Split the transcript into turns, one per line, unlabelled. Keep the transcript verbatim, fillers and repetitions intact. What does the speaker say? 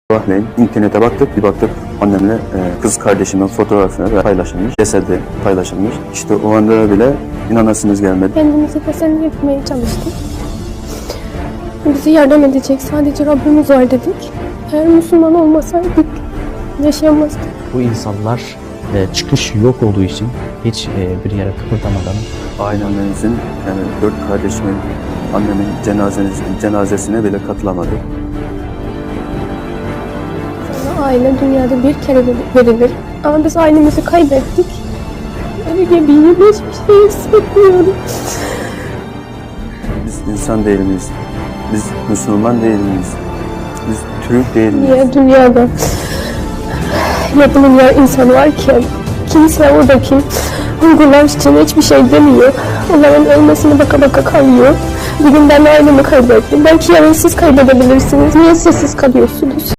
Sabahleyin internete baktık, bir baktık annemle e, kız kardeşimin fotoğrafını paylaşılmış, cesedi paylaşılmış. İşte o anda bile inanasınız gelmedi.
Kendimizi teselli etmeye çalıştık. Bizi yardım edecek sadece Rabbimiz var dedik. Eğer Müslüman olmasaydık yaşayamazdık.
Bu insanlar e, çıkış yok olduğu için hiç e, bir yere kıpırdamadan
Ailemizin, yani dört kardeşimin, annemin cenazesine, cenazesine bile katılamadı.
Aile dünyada bir kere verilir. Ama biz ailemizi kaybettik. Öyle gibiyim, hiçbir şey hissetmiyorum.
Biz insan değil miyiz? Biz Müslüman değil miyiz? Biz Türk değil miyiz?
Niye dünyada yapılmayan insan varken kimse oradaki Uygurlar için hiçbir şey demiyor. Onların ölmesine baka baka kalıyor. Bir gün ben ailemi kaybettim. Belki yarın siz kaybedebilirsiniz. Niye sessiz kalıyorsunuz?